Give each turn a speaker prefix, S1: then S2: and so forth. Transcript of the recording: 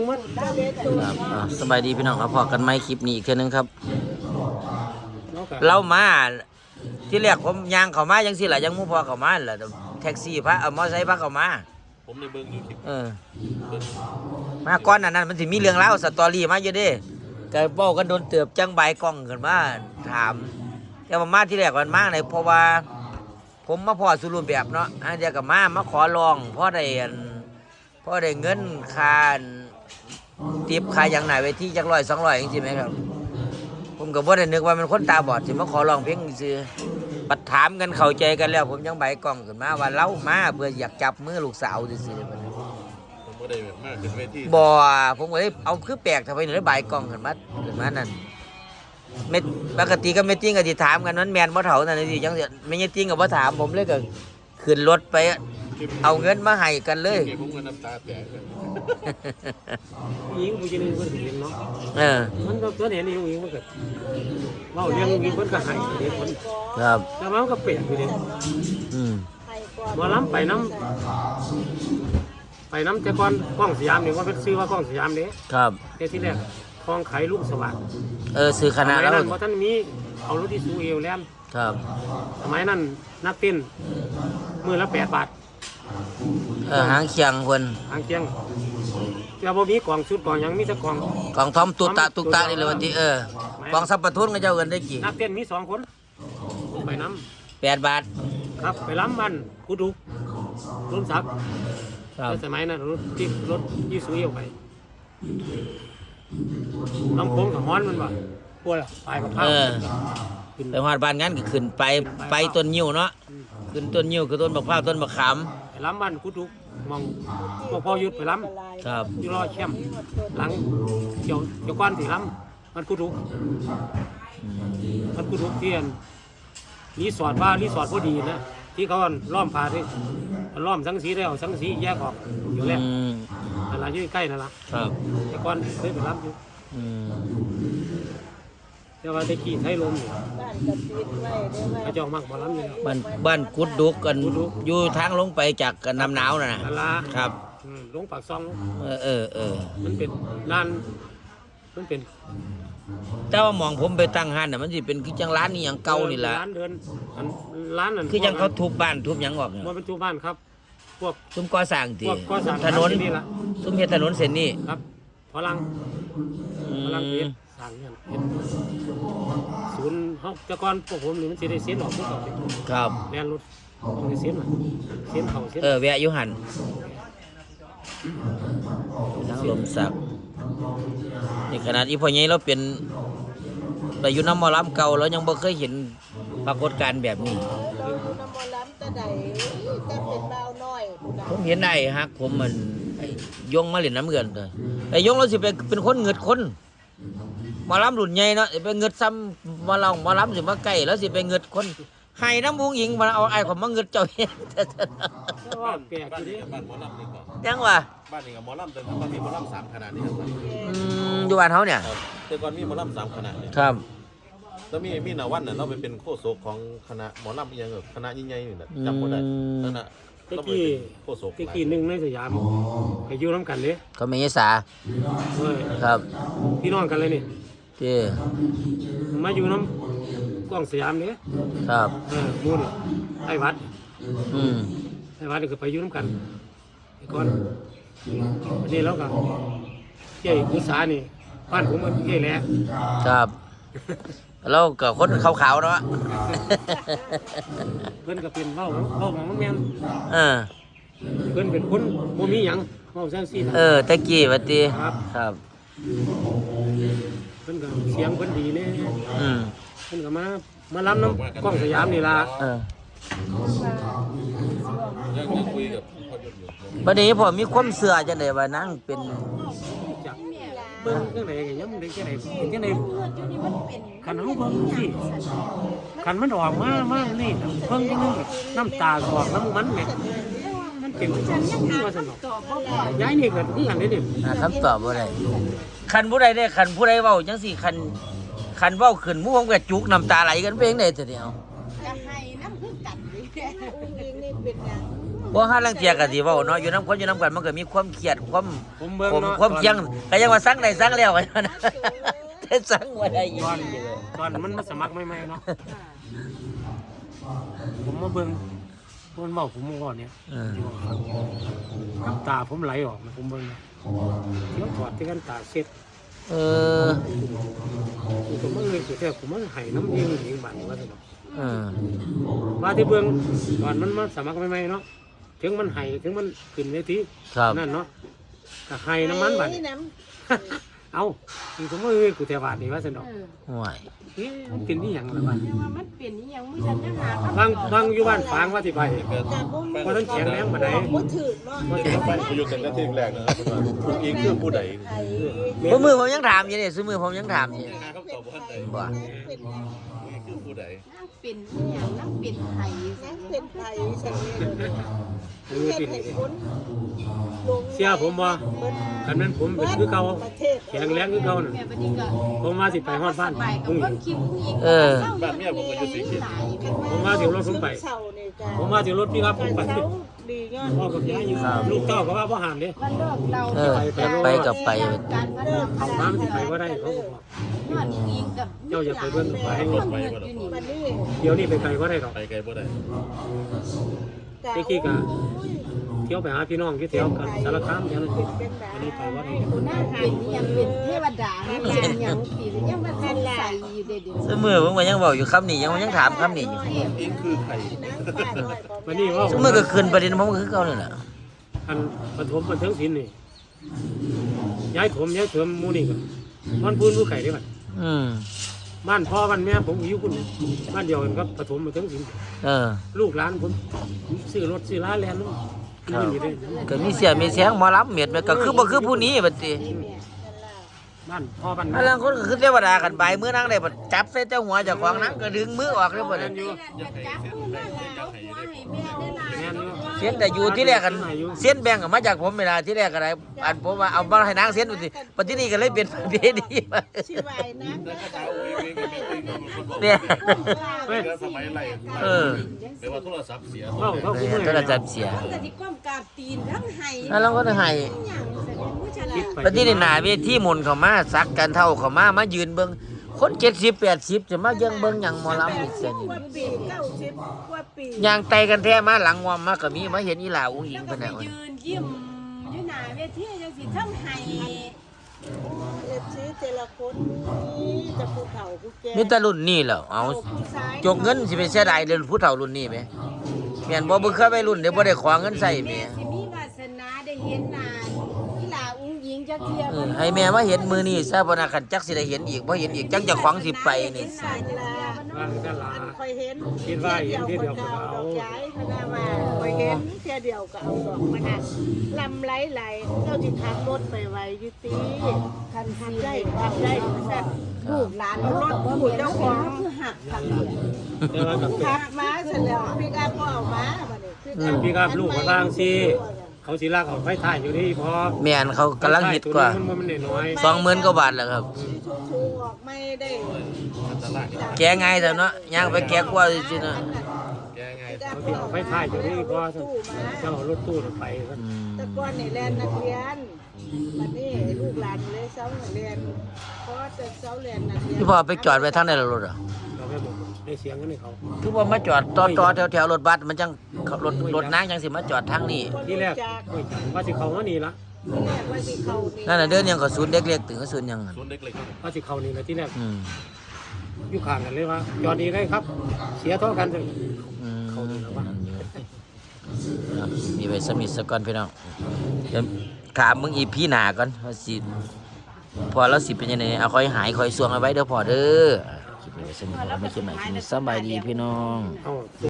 S1: ครับสบายดีพี่น้องครับพอกันไหมคลิปนี้อีกเทื่อนึงครับเรามาที่แรกผมยางเขามายังสิล่ะยังมุ่งพอเขามาแหละแท็กซี่พระมอไซค์พระเขามา
S2: ผมในเบิ้งอยู่คลิป
S1: มาก่อนนั้นมันสิมีเรื่องเล่าสตอรี่มาเยอะเด้ก็บอกกันโดนเตือบจังใบกล้องขึ้นมาถามแต่ว่ามาที่แรกมันมาเลยเพราะว่าผมมาพอสุรุ่นแบบเนาะอันเดียวกับมาขอลองเพราะได้เงินค่าทิปค่าอย่างไหนไปที่จัก100-200จริงไหมครับผมก็บ่ได้นึกว่ามันคนตาบอดสิมาขอลองเพลงซื่อปัดถามกันเข้าใจกันแล้วผมยังใบกล้องขึ้นมาว่าเล่ามาเพื่ออยากจับมือลูกสาวซื่อๆ
S2: ผมบ่ได้แบบมากขึ้นเวที
S1: บ่ผมก็เลยเอาคือแปลกทำไมถึงได้ใบกล้องขึ้นมานั่นเม็ดปกติก็ไม่จริงก็สิถามกันนั้นแม่นบ่เฒ่านั่นสิจังซี่ไม่จริงก็บ่ถามผมเลยก็ขึ้นรถไปเอาเงินมาให้กันเลย
S2: ผมก็น้ำตาแตก
S3: ยิงผู้หญิงเพิ่นเห็นเนาะมันก็ตัวเห็นยิงมันก็เว้าเรื่องยิงเพิ่นก็ให้เด็กคน
S1: ครับ
S3: แต่มันก็เปลี่ยนอยู่ดิบ่ล้ำไปน้ำแต่ก่อนกล้องสยามนี่ว่าเป็นซื้อว่ากล้องสยามเด้
S1: ครับ
S3: แต่ที่แรกทองไขลูกสว่าง
S1: ซื้อคณะแล้ว
S3: เพราะท่านมีเอารถที่ซูเอลแล้ว
S1: ครับ
S3: สมัยนั้นนักเต้นมื้อละ8 บาท
S1: หางเคียงคน
S3: หางเคียงแต่บ่มีกล่องชุดกล่องยังมีแต่กล่อง
S1: ทอมตุตะนี่เลยวันที่กล่องสับปะทุนก็เจ้าเงินได้กี่
S3: นักเต้นมี2 คนไปน้
S1: ำ8 บาท
S3: ครับไปล้ำมันกูดูรุ่นศักดิ์สมัยนั้นรถยี่สุยออกไปน้ำโค้งกับฮ้อนมันว่ะปวดไปกับข้าว
S1: ไปหอดบ้านงั้นก็ขึ้นไปต้นยิ้วเนาะขึ้นต้นยิ้วคือต้นมะพร้าวต้นมะขาม
S3: ไปล้ำมันกูดูมองพอหยุดไปล้
S1: ำครับ
S3: อยู่รอแช่มหลังเกี่ยวก้อนถี่ล้ำมันกูดูเทียนรีสอร์ทพอดีนะที่เขาล้อมพาที่ล้อมสังสีแล้วสังสีแยกออกอยู่แล้วอะไรอยู่ใกล้นั่นละ
S1: ครับ
S3: แต่ก่อนเคยไปรับอยู่แต่ว่าตะกี้ไทยลมกระจอกมากบ่รับอยู่แล้ว
S1: บ้านกุดดุกกันอยู่ทางลงไปจากน้ำหนาวนะครับ
S3: ลงปากซองมันเป็นร้
S1: แต่ว่ามองผมไปตั้งห้านน่ะมันสิเป็นคือจังร้านนี่อย่างเก่านี่แหละ
S3: ร้านเดินร้านนั่น
S1: คือยังเขาทุบบ้านทุบหยังออกเนี่ย
S3: มันเป็นทุบบ้านครับพวก
S1: ซุ้มก่อสร้างทีถนนซุ้มเฮ็ดถนนเส้นนี้
S3: ครับพลังเฮ็ดสร้างเนี่ยศูนย์เฮาแต่ก่อนพวกผมนี่มันสิได้เส้นออกทุกด
S1: ครับ
S3: แล่นรถต้องได้เส้นเข้าเส้น
S1: แวะอยู่หั่นทางลมสักนี่ขนาดอีพ่อใหญ่เราเป็นแต่อยู่น้ำมอลำเก่าเรายังบ่เคยเห็นปรากฏการณ์แบบนี้ผมเห็นไอ้ฮักผมมันยงมาเล่นน้ำเงินเลยไอ้ยงเราสิเป็นคนเงิดคนมอลำรุ่นใหญ่เนาะไปเงิดซ้ำมอลำสิมาใกล้แล้วสิไปเงิดคนให้น้ำมุงหญิงมาเอาไอ้ของมาเงิดเจ้าเห็น
S3: แปลกอยู่ดิ
S2: บ้านหมอลำนี่ก่อน
S1: ยังวะ
S2: บ้านนี่กับหมอลำแต่ก่อนมีหมอลำ3 ขนาดนี่ครับ
S1: อยู่บ้านเขาเนี่ย
S2: แต่ก่อนมีหมอลำ3 ขนาดเนี่ย
S1: ครับ
S2: แล้วมีนาวันน่ะเราไปเป็นโฆษกของคณะหมอลำอย่างคณะใหญ่ๆนี่แหละจำบ่ได้คณะ
S3: ตะกี้หนึ่งในสยามก็อยู่น้ำกันเลย
S1: เขาไม่ยสาครับ
S3: พี่น้องกันเลยนี่
S1: ที่
S3: มาอยู่น้ำกล้องสยามเนี่ย
S1: ครับ
S3: มูนี่ไอ้วัดนี่ก็ไปอยู่น้ำกันก่อนนี่แล้วก็เจ้ากุศานี่บ้านผมมันเจ้าแหละ
S1: ครับแล้วก็คนขาวๆเนาะ
S3: เพิ่นก็เป็นเว้าของมันแม่นเพิ่นเป็นคนบ่มีหยังเว้าจังซี่
S1: ตะกี้ว่าติครับ
S3: เพิ่นก็เสียงเพิ่นดีเลยเพิ่นก็มาล้ำน้ำกล้องสยามนี่ล่ะ
S2: ยังคุยกับพ่อหยุดอยู่
S1: บัดนี้ผมมีความเชื่อจังได๋ว่านั่งเป็น
S3: เบิ่งจังได๋ก็ยังได้จังได๋เป็นจังได๋คันเฮาเบิ่งสิคันมันออกมานี่เบิ่งจังนึงน้ำตาออกน้ำมันแม่มันเป็นจังว่าซั่นดอกย้ายนี่ก็คือกันเด้นี่
S1: คำตอบบ่ได้คันผู้ใดได้คันผู้ใดเว้าจังซี่คันเว้าขึ้นหมู่ผมก็จุกน้ำตาไหลกันไปจังได๋ซะเดียว
S4: จะให้น้ำคือกันดิอุ้งอิงนี่เป็นหยัง
S1: บ่ฮาลังเทียก็สิเว้าเนาะอยู่นำคนอยู่นำกันมันก็มีความเครียดความ
S3: ผมเบิ่ง
S1: ผม
S3: เนาะ
S1: ความเคียงก็ยังว่าสั่งได้สั่งแล้วกันนะแต่สั่งบ่ได้อีก
S3: ตอนมันมาสมัครใหม่ๆเนาะผมมาเบิ่งมันเว้าผมก่อนเนี่ย ที่ว่าฟังน้ำตาผมไหลออกนะผมเบิ่งนะเดี๋ยวถอดที่กันตาเช็ด
S1: เออ
S3: ผมมันเลยสุดแท้ผมมันให้น้ำเองเองบัดว่าซั่นเนาะ
S1: เออ
S3: ว่าที่เบิ่งตอนมันมาสมัครใหม่ๆเนาะถึงมันให้ถึงมันขึ้นเวที
S1: ครับ
S3: นั่นเนาะก็ให้น้ำมันบัดนี้เอาอีกผมว่ากูแถวบาดนี่ว่าซั่นเนาะ
S1: ห่วย
S3: เอ๊ะมันเป็นอีหยังล่ะบัด
S4: ว่ามันเปลี่ยนอีหยังมื้อฉันยังหา
S3: บางอยู่บ้านฝางว่าสิไป
S2: ก็
S3: เพราะนั้นแข็งแรงปานใด
S5: บ่ถือเนาะ
S3: ว่าสิ
S2: ไป
S3: ไป
S2: อยู่แต่ละที่แรกนะครับคุณอิงคือผู้ใด
S1: บ่มือผมยังถามอยู่นี่ซื้อมือผมยังถามอยู่
S2: หาคำตอบบ่ทันใด
S1: บ่
S2: คือผู้ใด
S4: นั่งเป็นอีหยังนั่งเป็นไผ
S5: นั่งเป็นไผฉันเนี่ย
S3: เออ
S5: เฮ็ด
S3: เป็น
S5: ให้คนลง
S3: เสียผมว่าคันนั้นผมเป็นคือเก่า
S5: ประเทศ
S3: แข็งแรงคือเก่าน่ะ
S4: แม่บัดนี้ก็
S3: ผมว่าสิไปฮอดบ้าน
S4: ไปกับ
S3: พุ่ง
S4: เบิ่งคลิปผู้หญิง
S2: บ้านเมียผมก็อยู่สีเขียว
S3: ผมว่าสิรถผมไป
S5: เศร้านี่จ้ะ
S3: ผมว่าสิรถพี่ครับผมไป
S5: เศร้าดียอด
S3: พ่อกับยายอยู่ลูกเต้าก็ว่าบ่ห้ามเด้
S4: วันเลิกเรา
S1: เออไปกับไป
S4: การพนัน
S3: เอามามันสิไปบ่ได้เขาก็บอก
S4: ยอดอีกกับ
S3: เจ้าอย่าไปเบิ่งกับไป
S4: คนเฮ็ดอยู่นี่
S5: วันนี้
S3: เดี๋ยวนี้ไปไกลบ่ได้ดอก
S2: ไปไกลบ่ได้
S3: ตะกี้ก็เที่ยวไปหาพี่น้องที่แถวกันสารคามแถวนั้นอันนี้ไปบ่ได้
S4: กูนั่งเป็นอีหยังเป็นเทวดาเป็นหยังปียังมาสงสัยอยู่เด้อ
S1: ซื้อมือผมก็ยังบอกอยู่คำนี้ยังถามคำนี้อยู่
S2: อิงคือใคร
S3: วันนี้ว่า
S1: ซื้อมือก็ขึ้นประเด็นผมก็คือเก่านี่แหละ
S3: อันปฐมบันเทิงศิลป์นี่ย้ายถมย้ายเถิมหมู่นี่ก็มันพูนผู้ไข่ได้บัด
S1: อืม
S3: บ้านพ่อบ้านแม่ผมอยู่คุณบ้านเดียวกันครับปฐมบันเทิงศิลป์
S1: เออ
S3: ลูกหลานผมซื้อรถซื้อร้านแลนด์นี่อยู่ได้
S1: ก็มีเสียมีเสียงหมอลำเม็ดก็คือบ่คือผู้นี้บัดนี้
S3: บ้านพ่อบ้าน
S1: อันนั้นคนก็คือเทวดากันไปมื้อนั่งได้บัดจับใส่แต่หัวเจ้าของนั้นก็ดึงมือออกเลยบ่
S3: แม่
S1: นั่
S3: น
S1: น
S3: อยู่
S4: จับมือมาแล้วหัวให้แม่ได้หลาย
S3: แม่นอยู่
S1: เส้นแต่อยู่ที่แรกกันเส้นแบ่งมาจากผมเวลาที่แรกก็ได้อันผมว่าเอามาให้นางเส้นดูสิปัจจุบันนี้ก็เลยเป็นประเพณีมา
S5: ชีวายนะ
S1: เนี่ย
S3: เฮ้ย
S2: สมัยไร
S1: เออ
S2: แปลว่าโทรศัพท์เสีย
S3: เว้าเขา
S1: เอ
S3: คือ
S1: อ
S3: มื้อ
S1: โทรศัพท์เสีย
S4: แต่ที่ก้มกราบตีนทั้งไห้
S1: แล้วเราก็ให้
S4: หยังแสดงผู้ชนะ
S3: คิดไป
S1: ปัจจุบันหน้าเวทีหมุนเข้ามาซักกันเท่าเข้ามายืนเบิ่งคน70 80จะมายังเบิ่งหยังหมอลำอีกเส้น
S5: กว่าปี90กว่าปี
S1: ยางไตกันแท้มาหลังวอมมาก็มีมาเห็นอีหลาอุ้งอิ
S4: แล้ว
S1: ง
S4: ก็
S1: เพิ่น
S4: ไป
S1: น่ะ
S4: ยืนยิ้มอยู่หน้าเวทีจังสิทั้งไห้
S5: เอฟซีแต่ละคนนี่จะผู้เฒ่าผู้แก่
S1: มีแต่รุ่นนี้แหล้วเอาจกเงินสิไปเสียดายเรื่องผู้เฒ่ารุ่นนี้ไหมแม่นบ่เบิ่งเคยไปรุ่นเดี๋ยวบ่ได้ขอเงินใส่แม่
S4: แม่สิมีวาสนาได้เห็นหน้าอีหลาอุ้งหญิงจักเที่ย
S1: เออให้แม่มาเห็นมือนี้ซะบ่น่าคันจักสิได้เห็นอีกบ่เห็นอีกจังเจะของสิไปนี่
S5: สายลา
S3: ว่ากันลา
S5: คอยเห็น
S3: คิดว่าเห็นทีเดียวก็เอา
S5: ดอกย้ายพนาว่าคอยเห็นแค่เดียวก็เอาดอกมาหักลำไหลๆเจ้าจิขับรถไปไว้อยุติคันทำได้ทำได้แซ่บ
S4: ลูกหลานเขาก็บ่มีเจ้าของคือหักทางเดียว
S3: แต่ว่ากับ
S5: ขับมาเสร็จแล้วพี่ก็เอามาบัดนี้
S3: พี่ครับลูกก็ล่างสิเขาสิลากออกไฟถ่ายอยู่นี่พอ
S1: แม่นเขากำลังฮิตกว่า
S3: มันน้อย
S1: 20,000กว่าบาทแล้วครับ
S5: ชูออกไม่ได้
S1: แกง่ายแต่เนาะย่างไปแกกว่าซื่อๆเนาะ
S2: แกไง
S3: เขาสิเอาไฟถ่ายอยู่นี่พอเจ้ารถตู้ไป
S1: อืม
S5: แต่ก่อนนี่แลนนักเรียนบัดนี้ลูกหลานเลยเซาเรียนเพราะจะเซาเรียนนักเรียน
S1: พี่พ่อไปจอดไว้ทางไหนล่ะรถอ่ะ
S3: เราไปบอกได้เสียงกันให้เขา
S1: คือว่ามาจอดต่อแถวๆรถบัสมันจังรถนางจังสิมาจอดทางนี้
S3: ที่แรกว่าสิเขาว่านี่ละ
S5: ที่แรกว่าสิเขานี่
S1: นั่นน่ะเดินยังก็ศูนย์เด็กเล็กถึงก็ศูนย์ยังนั่น
S2: ส่วนเด็กเล็ก
S3: ว่าสิเขานี่ละที่แรก
S1: อืม
S3: อยู่ข้างกันเลยว่าจอดดีได้ครับ เสียเท่ากันเลย
S1: อืม
S3: เขานี่แล้ววะ
S1: นั่นอยู่ครับมีไว้สมิทสก่อนพี่น้องเดี๋ยวถามมึงอีพี่หนาก่อนว่าสิพอแล้วสิเป็นยังไงเอาค่อยหายค่อยสวงเอาไว้เด้อพอเด้อคลิปนี้ไว้สมิทไม่คิดใหม่คลิปนี้สบายดีพี่น้อง
S3: เอา